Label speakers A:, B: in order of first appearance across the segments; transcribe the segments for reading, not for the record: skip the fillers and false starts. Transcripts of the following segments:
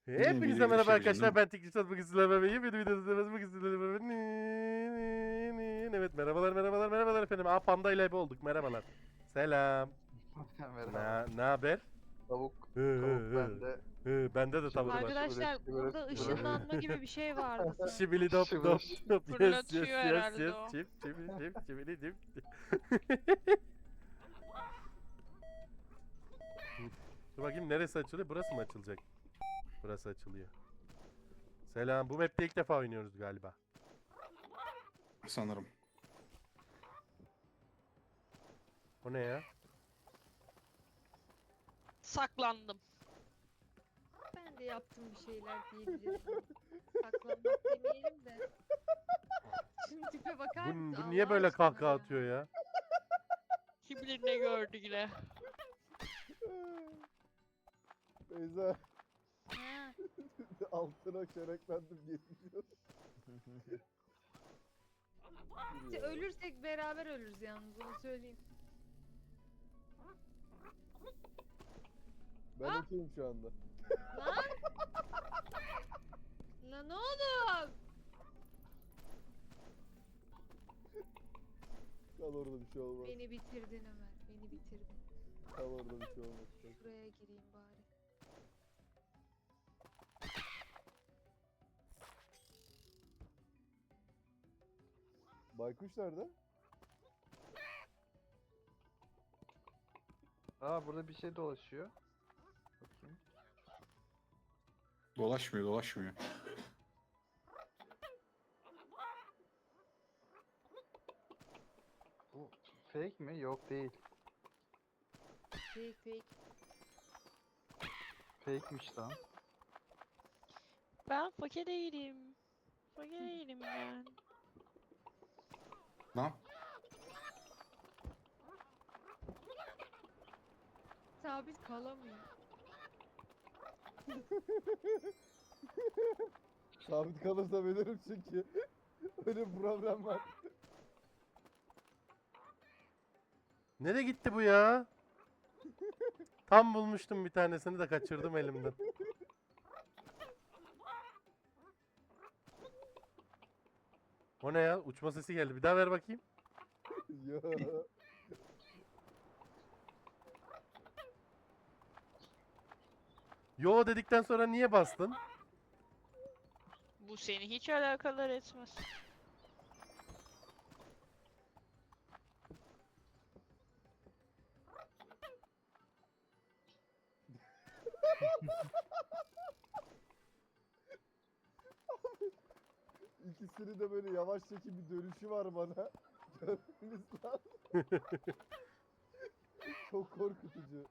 A: Hepinize merhaba arkadaşlar, ben Teknik bugün sizlerle beraber bir videoda izlemez bugün sizlerle beraber. Evet, merhabalar efendim. Panda ile ebe olduk, merhabalar. Selam.
B: Merhaba.
A: Ne haber?
B: Tavuk,
A: Hı, hı,
B: tavuk
A: hı.
B: bende.
A: Bende de tavuk var.
C: Arkadaşlar burada ışınlanma gibi bir şey vardı sanki.
A: Şibili dop dop
B: Şıbır.
A: dop.
C: Fırlatıyor herhalde o.
A: Çip şibili dip. Dur bakayım, neresi açılıyor? Burası mı açılacak? Burası açılıyor. Selam. Bu map'te ilk defa oynuyoruz galiba.
D: Sanırım.
A: O ne ya?
C: Saklandım.
E: Ben de yaptım bir şeyler diyebilirim. Saklanmak demeyelim de. Şimdi tipe bakar mısın?
A: Bu niye
E: Allah
A: böyle
E: aşkına
A: kahkaha
E: ya?
A: atıyor ya?
C: Kim bilir ne gördü yine.
F: Beyza
E: Ha,
F: altına çöreklendim geliyor.
E: işte ölürsek beraber ölürüz yalnız onu söyleyeyim.
F: Ben okeyim şu anda.
E: Lan! Lan oğlum!
F: Kal orada bir şey olmaz.
E: Beni bitirdin Ömer, beni bitirdin.
F: Kal orada bir şey olmaz.
E: Buraya gireyim bari.
F: Baykuş nerede?
B: Burada bir şey dolaşıyor. Bakayım.
D: Dolaşmıyor.
B: Bu fake mi? Yok değil.
E: Fake fake.
B: Fake'miş lan.
C: Ben fakir değilim. Fakir değilim ben.
D: Lan
E: Sabit kalamıyor.
F: Sabit kalırsa ölürüm çünkü. Öyle bir problem var.
A: Nereye gitti bu ya? Tam bulmuştum bir tanesini de kaçırdım elimden. O ne ya? Uçma sesi geldi. Bir daha ver bakayım.
F: Yo.
A: Yo dedikten sonra niye bastın?
C: Bu seni hiç alakadar etmez.
F: İkisinin de böyle yavaş çekim bir dönüşü var bana. Görmeniz lazım. Çok korkutucu.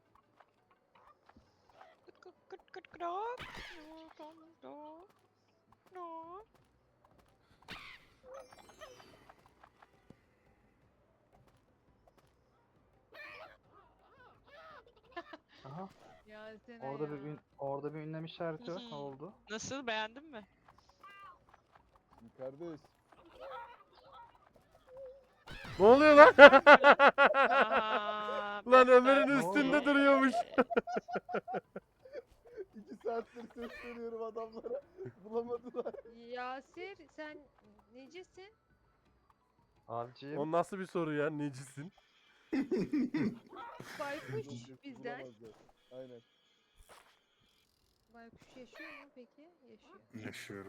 C: Kıt kıt kıt kıt kırak. No, no, no.
B: Aha.
E: Ya sen
B: Orada bir ünlem işareti var. Ne oldu?
C: Nasıl, beğendin mi?
F: Kardeş.
A: Ne oluyor lan?
C: Aha,
A: Lan
C: ben
A: Ömer'in
C: de-
A: üstünde duruyormuş.
F: 2 saattir sesleniyorum adamlara. Bulamadılar.
E: Yasir sen necisin?
B: Avcıyım.
A: O nasıl bir soru ya? Necisin?
E: Baykuş bizden.
F: Bulamazlar. Aynen.
E: Baykuş yaşıyor mu peki? Yaşıyor.
D: yaşıyorum.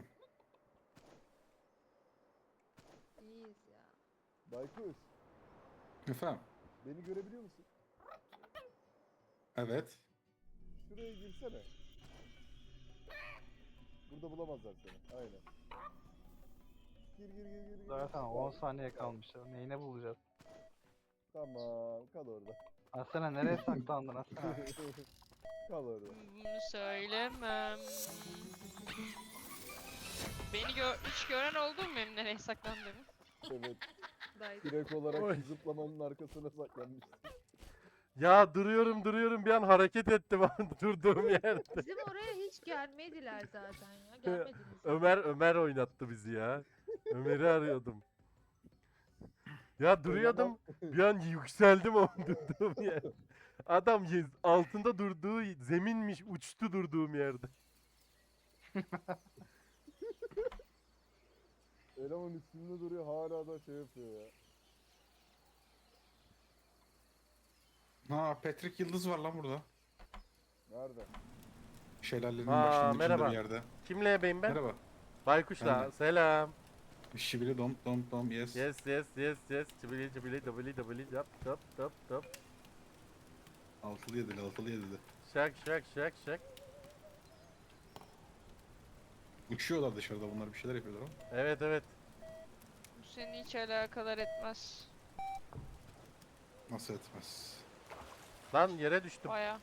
E: İyiyiz ya.
F: Baykuş.
D: Efendim?
F: Beni görebiliyor musun?
D: Evet.
F: Şuraya girsene. Burada bulamazlar seni. Aynen. Gir.
B: Zaten 10 saniye kalmış. Neyine bulacağız?
F: Tamam. Kal orada.
B: Asena nereye saklandın Asena?
F: Kal orada.
C: Bunu söylemem. Beni hiç gören oldu mu benim nereye saklandığımı?
F: Evet.
E: Dayı.
F: Direkt olarak
A: Oy.
F: zıplamanın arkasına saklanmışsın.
A: Ya duruyorum bir an hareket ettim durduğum yerde.
E: Bizim oraya hiç gelmediler zaten ya. Gelmediniz.
A: Ömer oynattı bizi ya. Ömer'i arıyordum. Ya duruyordum. Bir an yükseldim o durduğum yer. Adam altında durduğu zeminmiş, uçtu durduğum yerde.
F: Eleman üstünde duruyor hala da şey yapıyor ya.
D: Ha, Patrick Yıldız var lan burada.
F: Nerede?
D: Şelalenin
A: Aa,
D: başlangıcında
A: merhaba.
D: bir yerde.
A: Kimle ebeyim ben?
D: Merhaba.
A: Baykuşla.
D: Ben de.
A: Selam.
D: Şibili dom dom dom yes.
A: Yes yes. Çibili çibili dobili yap top.
D: Altılı yedili altılı yedili.
A: Şak.
D: Uçuyorlar dışarıda, bunlar bir şeyler yapıyorlar ama.
A: Evet.
C: Bu seni hiç alakadar etmez.
D: Nasıl etmez.
A: Lan yere düştüm.
C: Baya.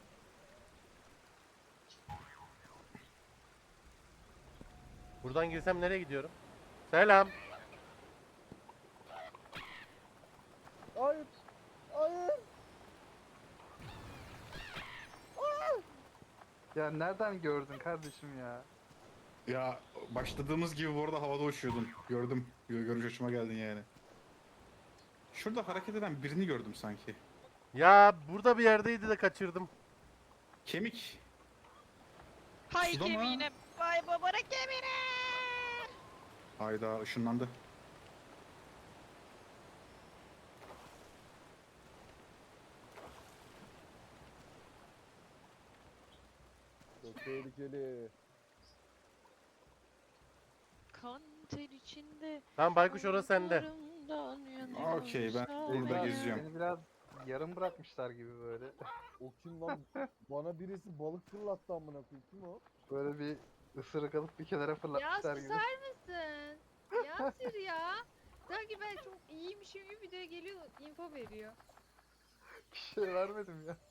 A: Buradan girsem nereye gidiyorum? Selam.
F: Hayır. Hayır.
B: Ya nereden gördün kardeşim ya?
D: Ya başladığımız gibi bu arada havada uçuyordun. Gördüm. Görünce hoşuma geldin yani. Şurada hareket eden birini gördüm sanki.
A: Ya burada bir yerdeydi de kaçırdım.
D: Kemik.
C: Hay
D: Suda mı?
C: gemiğine. Vay babana gemine.
D: Hayda, ışınlandı.
F: Çok tehlikeli.
C: Kan ter içinde.
A: Tamam Baykuş orası sende.
C: ayaklarımdan yanıyor
D: Okey, ben
C: sağ
D: burada
C: ol.
D: geziyorum.
B: Beni biraz yarım bırakmışlar gibi böyle.
F: O kim lan? Bana birisi balık fırlattı amına koyayım. Kim o?
B: Böyle bir ısırık alıp bir kenara
E: Ya
B: fırlatmışlar gibi.
E: susar mısın? Yasir ya. Sanki ben çok iyiymişim gibi videoya geliyor info veriyor.
B: Bir şey vermedim ya.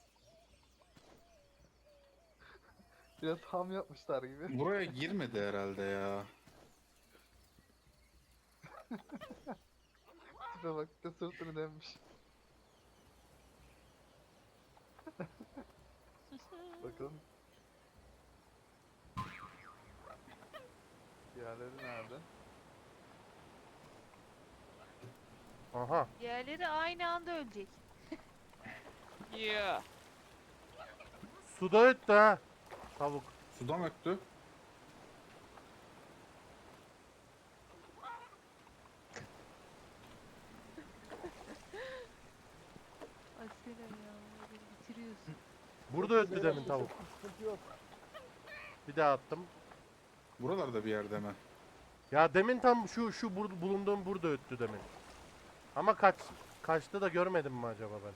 B: Biraz ham yapmışlar gibi.
D: Buraya girmedi herhalde ya.
B: Tipe bak, bir de sırtını dönmüş. Bakalım. Diğerleri nerede?
A: Aha.
E: Diğerleri aynı anda ölecek.
C: Yeah.
A: Suda öttü ha. Tavuk.
D: Suda mı öttü?
E: Asena ya beni bitiriyorsun.
A: Burada öttü demin tavuk.
F: Sıkıntı yok.
A: Bir daha attım.
D: Buralarda bir yerde mi?
A: Ya demin tam şu bulunduğum burada öttü demin. Ama kaçtı da görmedim mi acaba ben?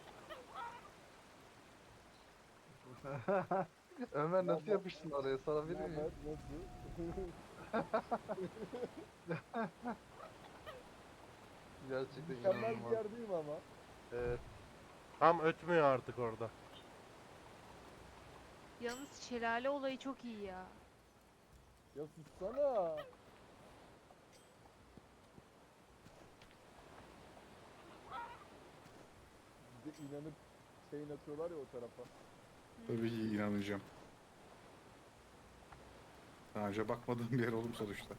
B: Ömer nasıl
F: Tamam.
B: yapıştın oraya, sana bir
F: Naber,
B: miyim?
F: nasıl?
B: Gerçekten
F: Mükemmel bir
B: inanılmaz.
F: yerdeyim ama.
B: Evet.
A: Tam ötmüyor artık orada.
E: Yalnız şelale olayı çok iyi ya.
F: Ya sussana. Bir de inanıp şeyin atıyorlar ya o tarafa.
D: Tabii ki inanacağım. Daha önce bakmadığım bir yer oğlum sonuçta.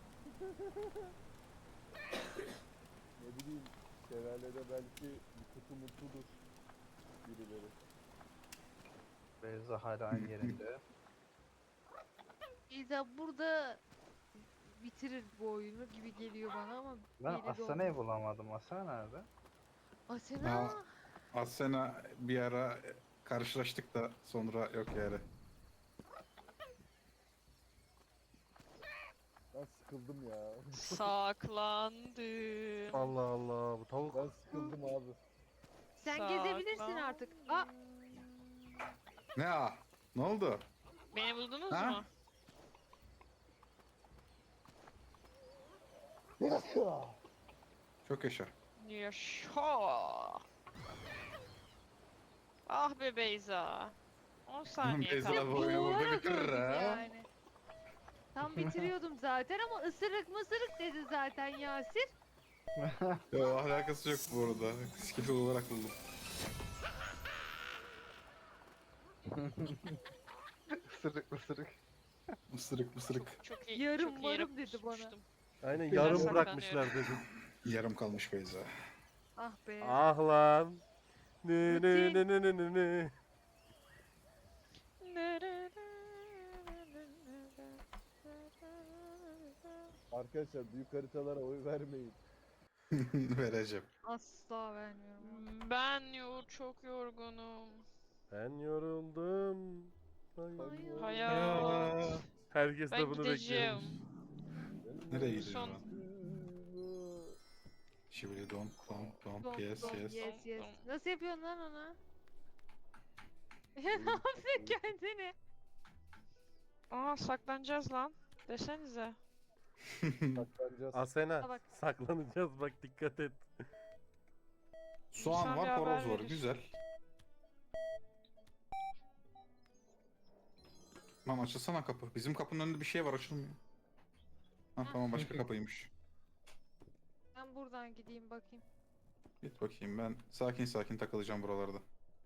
F: Ne bileyim, şelalede belki bir kutu mutludur birileri.
B: Beyza hala aynı yerinde.
E: İza burada bitirir bu oyunu gibi geliyor bana ama
B: Ben
E: belli de
B: Asena'yı
E: olmaz.
B: bulamadım. Asena nerede?
E: Asena.
D: Ha. Asena bir ara karşılaştık da sonra yok yani.
F: Ben sıkıldım ya.
C: Saklandım.
A: Allah Allah bu tavuk.
F: Ben sıkıldım abi.
E: Sen gezebilirsin artık. Aa,
D: Ne a? Ne oldu?
C: Beni buldunuz
D: Ha?
C: mu?
D: Çok yaşa.
C: Yaşa. Ah be Beyza. 10 saniye
D: Beyza
C: kaldı.
D: bu oyunu burada
E: boğularak
D: bitirir
E: öldüm
D: ha.
E: yani. Tam bitiriyordum zaten ama ısırık mısırık dedi zaten Yasir.
D: Yo, alakası yok bu arada. Skill olarak buldum.
B: Isırık ısırık.
D: Mısırık mısırık.
C: Çok iyi.
E: Yarım
C: çok iyi
E: varım
C: yere
E: dedi bana.
C: pusmuştum.
A: Aynen
B: Biraz
A: yarım
C: saklanıyor.
A: bırakmışlar dedim.
D: Yarım kalmış Beyza.
E: Ah be.
A: Ah lan. Ne ne
E: Rutin.
A: ne ne ne ne ne.
F: Arkadaşlar büyük haritalara oy vermeyin.
D: Vereceğim.
E: Asla vermiyorum.
C: Çok yorgunum.
A: Ben yoruldum.
E: Hayır.
C: Hayat.
A: Herkes
C: Ben
A: de bunu
C: gideceğim.
A: bekliyormuş.
D: Nereye gidiyor
C: Son-
D: lan? Şibili dom dom
E: Dom,
D: yes
E: dom,
D: yes.
E: yes yes. Nasıl yapıyorsun lan onu?
F: Benim
E: Ne yapıyorsun
F: kafam-
E: kendini?
C: Aa saklanacağız lan. Desenize.
F: Saklanacağız.
A: Asena
E: Bak.
A: saklanacağız bak dikkat et.
D: Soğan
C: İnsan bir
D: var,
C: haber
D: horoz var.
C: verir.
D: Güzel. Lan açılsana kapı. Bizim kapının önünde bir şey var, açılmıyor. Ha tamam, başka kapıymış.
E: Ben buradan gideyim bakayım.
D: Git bakayım, ben sakin sakin takılacağım buralarda.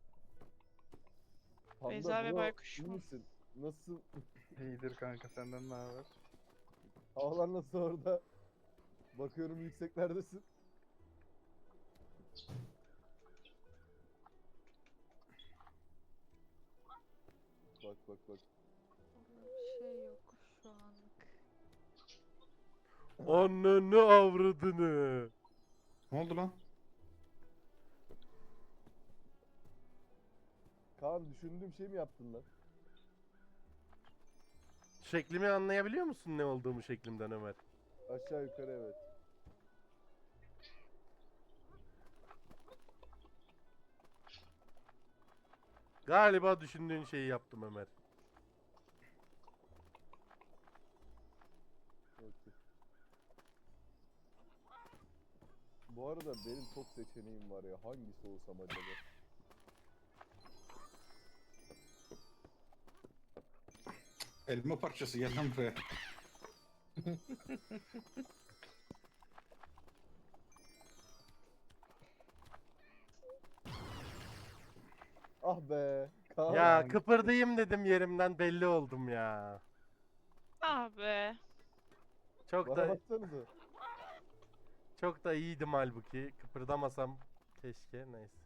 F: Panda
C: Beyza ve
F: bro,
C: Baykuş
F: iyi
C: mu?
F: misin? Nasıl?
B: İyidir kanka, senden ne haber?
F: Havalar nasıl orada? Bakıyorum yükseklerdesin. Bak bak bak.
E: Bir şey yok şu anlık.
A: Ananı avradını.
D: Ne oldu lan?
F: Kaan düşündüğüm şey mi yaptın lan?
A: Şeklimi anlayabiliyor musun ne olduğumu şeklimden Ömer?
F: Aşağı yukarı evet.
A: Galiba düşündüğün şeyi yaptım Ömer.
F: Okey. Bu arada benim çok seçeneğim var ya. Hangisi olsam acaba?
D: Elma parçası, gel lan buraya.
F: Ah be. Kaan.
A: Ya kıpırdayım dedim yerimden belli oldum ya.
C: Ah be.
A: Çok
F: Bana
A: da
F: baksanıza.
A: çok da iyiydim halbuki. Kıpırdamasam keşke neyse.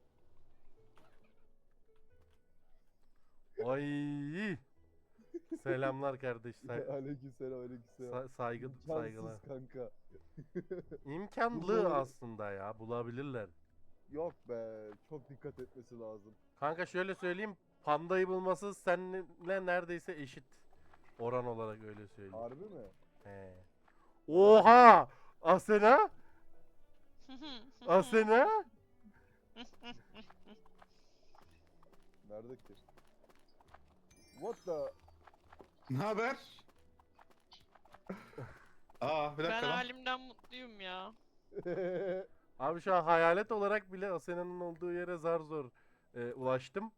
A: Ay. Selamlar kardeşler.
F: Aleykümselam aleykümselam.
A: Saygı saygılar.
F: İmkansız kanka.
A: İmkanlı
F: Bunları-
A: aslında ya bulabilirler.
F: Yok be. Çok dikkat etmesi lazım.
A: Kanka şöyle söyleyeyim. Pandayı bulması seninle neredeyse eşit. Oran olarak öyle söyleyeyim.
F: Harbi mi?
A: He. Oha! Asena? Asena?
F: Nerede ki? What the?
D: Ne haber? Aa, bir
C: Ben
D: dakika lan.
C: halimden mutluyum ya.
A: Abi şu an hayalet olarak bile Asena'nın olduğu yere zar zor ulaştım.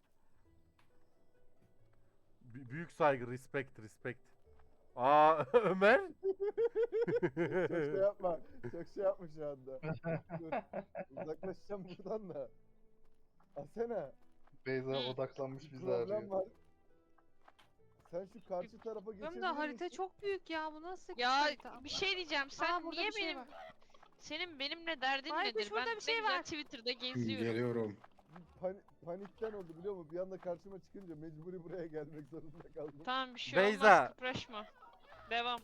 A: Büyük saygı, respect. Aa Ömer?
F: Çok şey yapma. Çok şey yapma şu anda. Dur. Uzaklaşacağım buradan da. Asena.
B: Beyza
C: Hı.
B: odaklanmış
F: Bir
B: bizi
F: problem
B: arıyor.
F: var. Sen şu karşı tarafa geçebilir
E: Benim de harita
F: misin?
E: çok büyük ya. Bu nasıl
C: Ya
E: harita?
C: bir şey diyeceğim. Sen
E: Aa, burada
C: niye
E: bir şey
C: benim
E: var.
C: senin benimle derdin
E: Baykuş,
C: nedir?
E: burada
C: Ben
E: bir şey
C: ne güzel
E: var.
C: Twitter'da geziyorum.
D: Geliyorum.
F: Panikten oldu biliyor musun? Bir anda karşıma çıkınca mecburi buraya gelmek zorunda kaldım.
C: Tamam bir şey
A: Beyza.
C: olmaz, kıpraşma. Devam.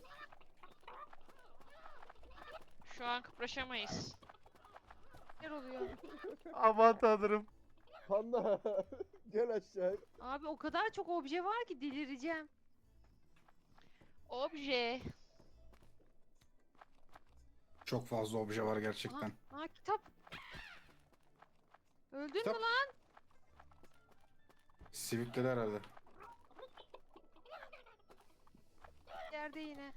C: Şu an kıpraşamayız.
E: Neler oluyor?
A: Aman tanrım.
F: Panda gel aşağı.
E: Abi o kadar çok obje var ki delireceğim.
C: Obje.
D: Çok fazla obje var gerçekten.
E: Aa kitap. Öldün
D: Kitap.
E: mü lan?
D: Sivikledi herhalde.
E: Yerde yine.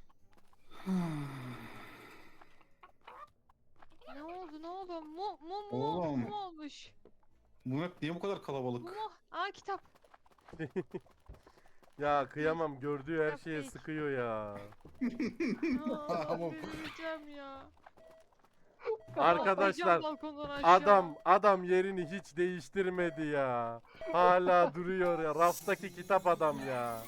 E: Ne oldu ne oldu?
D: Oğlum.
E: Mu olmuş.
D: Bu map niye bu kadar
E: Mu
D: kalabalık?
E: mu. Aa kitap.
A: Ya kıyamam gördüğü her
E: Yok
A: şeye
E: değil.
A: sıkıyor ya.
E: Aa,
D: Tamam.
E: delireceğim ya.
A: Arkadaşlar
E: Atlayacağım balkondan aşağı.
A: adam yerini hiç değiştirmedi ya. Hala duruyor ya. Raftaki kitap adam ya.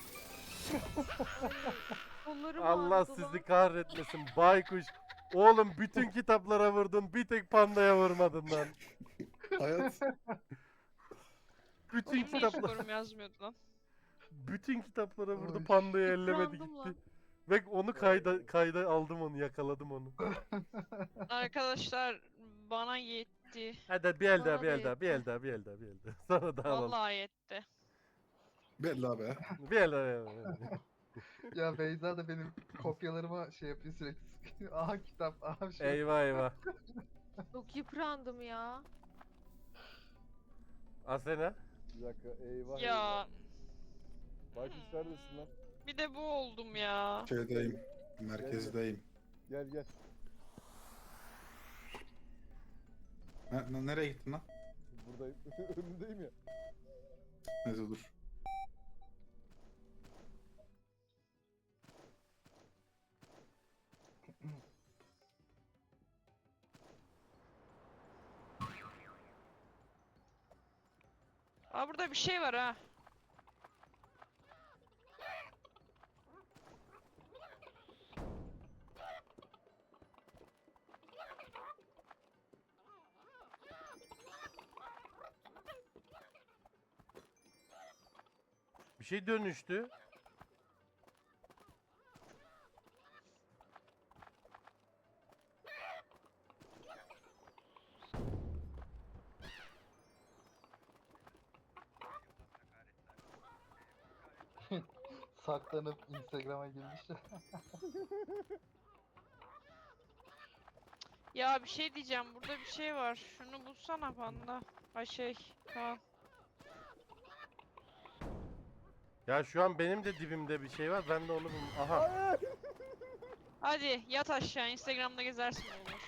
E: Kollarım
A: Allah
E: ağrıdı
A: sizi
E: lan.
A: kahretmesin baykuş. Oğlum bütün kitaplara vurdun bir tek pandaya vurmadın lan.
D: Hayat.
A: Bütün
C: Benim de hiç
A: kitaplar
C: skorum yazmıyordu lan.
A: bütün kitaplara vurdu
D: Ay.
A: pandayı ellemedi
E: Yıprandım
A: gitti.
E: lan.
A: Ve onu kayda aldım, onu yakaladım onu.
C: Arkadaşlar bana yetti.
A: Hadi bir el daha,
E: Bana
A: bir
E: da
A: el daha, bir el daha, bir el daha, bir el daha. Sonra da alalım.
C: Vallahi yetti.
D: Belli abi.
A: Bir el daha. Bir el daha.
B: Ya Beyza da benim kopyalarıma şey yapıyor sürekli. Aha kitap, aha şey.
A: Eyvah eyvah.
E: Çok yıprandım ya.
A: Asena.
F: Bir dakika eyvah eyvah.
C: Ya
F: Baykuş neredesin lan?
C: bir de bu oldum ya.
D: Şeydeyim. Merkezdeyim.
F: Gel gel.
D: Nereye gittin lan?
F: Buradayım. Önündeyim ya.
D: Neyse dur.
C: Aa burada bir şey var ha.
A: Bir şey dönüştü.
B: Saklanıp Instagram'a girmişler.
C: Ya bir şey diyeceğim. Burada bir şey var. Şunu bulsana panda. Ay şey. Tamam.
A: Ya şu an benim de dibimde bir şey var. Ben de onu Aha.
F: Hayır.
C: Hadi yat aşağı. Instagram'da gezersin olur.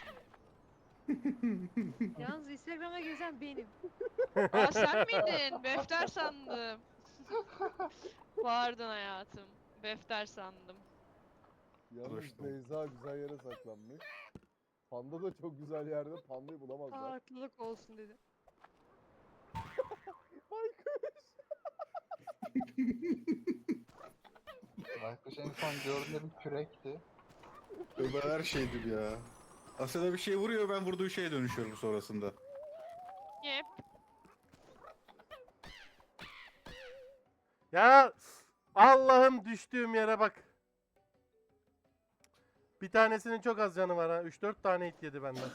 E: Yalnız Instagram'a gezen benim.
C: Aa sen miydin? Befter sandım. Pardon hayatım. Befter sandım.
F: Yalnız
D: Uğraştım.
F: Beyza güzel yere saklanmış. Panda da çok güzel yerde. Pandayı bulamazlar.
E: Farklılık olsun dedim.
F: Baykuş.
B: Baykuş en son gördüğüm kürekti.
D: Ömer her şeydir ya. Aslında bir şey vuruyor, ben vurduğu şeye dönüşüyorum sonrasında.
C: Yep.
A: Ya Allah'ım, düştüğüm yere bak. Bir tanesinin çok az canı var ha. 3-4 tane hit yedi benden.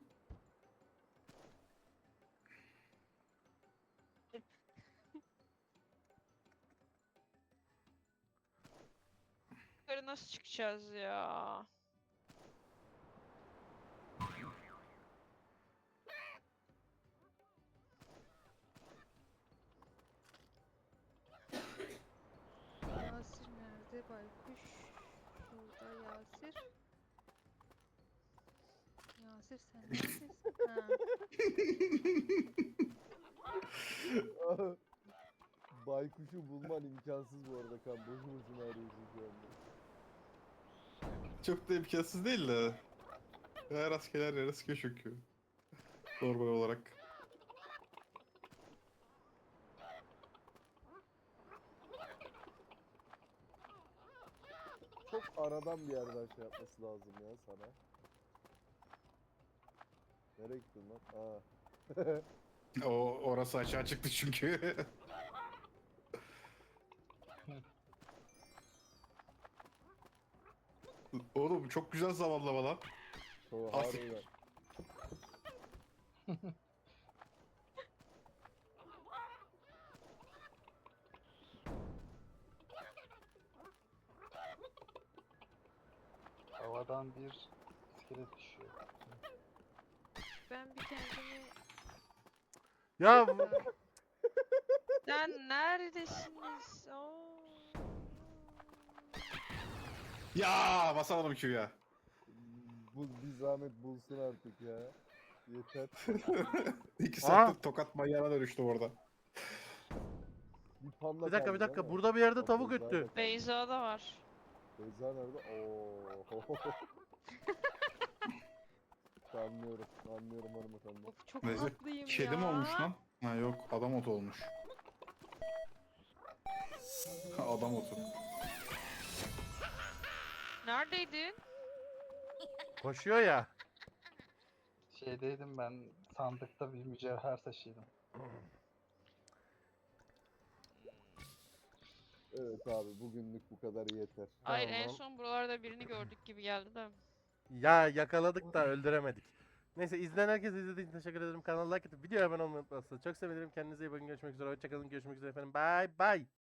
C: Yukarı nasıl çıkacağız ya?
E: Yasir nerede? Baykuş. Şurada Yasir. Yasir sen neredesin? Ha.
F: Baykuşu bulman imkansız bu arada kan. Boşu boşuna arıyorsun şu anda.
D: Çok da imkansız değil de. Her askerler yere sıkıyor çünkü. Normal olarak.
F: Çok aradan bir yerden şey yapması lazım ya sana. Nereye gittin lan? Aa.
D: Orası açığa çıktı çünkü. Oğlum çok güzel zamanlama lan.
F: Çok
D: Asik.
F: harbiden.
B: Havadan bir iskelet düşüyor.
E: Ben bir kendimi...
A: Ya
C: Sen neredesiniz? Oo.
D: Ya basalım Q'ya.
F: Bu bir zahmet bulsun artık ya. Yeter.
D: 2
A: Aa!
D: saattir tokat manyağına dönüştü orada.
F: Bir panda
A: bir dakika,
F: kaldı
A: bir dakika.
F: ama.
A: Burada bir yerde
F: Bak,
A: tavuk
F: Beyza da
A: öttü.
F: kaldı.
C: Beyza'da var.
F: Beyza nerede? Oo. Anlıyorum. Anlıyorum hanımefendi.
E: Of çok
D: Neyse,
E: tatlıyım ya.
D: Kedi mi olmuş lan? Ha yok, adam otu olmuş. Ha, adam otu.
C: Neredeydin?
A: Koşuyor ya.
B: Şeydeydim ben, sandıkta bir mücevher taşıyordum.
F: Evet abi bugünlük bu kadar yeter.
C: Hayır en
A: Tamam.
C: son buralarda birini gördük gibi geldi de.
A: Ya yakaladık da öldüremedik. Neyse izleyen herkese izlediğiniz için teşekkür ederim. Kanala like atıp videoya abone olmayı unutmazsanız çok sevinirim. Kendinize iyi bakın. Görüşmek üzere. Hoşçakalın. Görüşmek üzere efendim. Bye bye.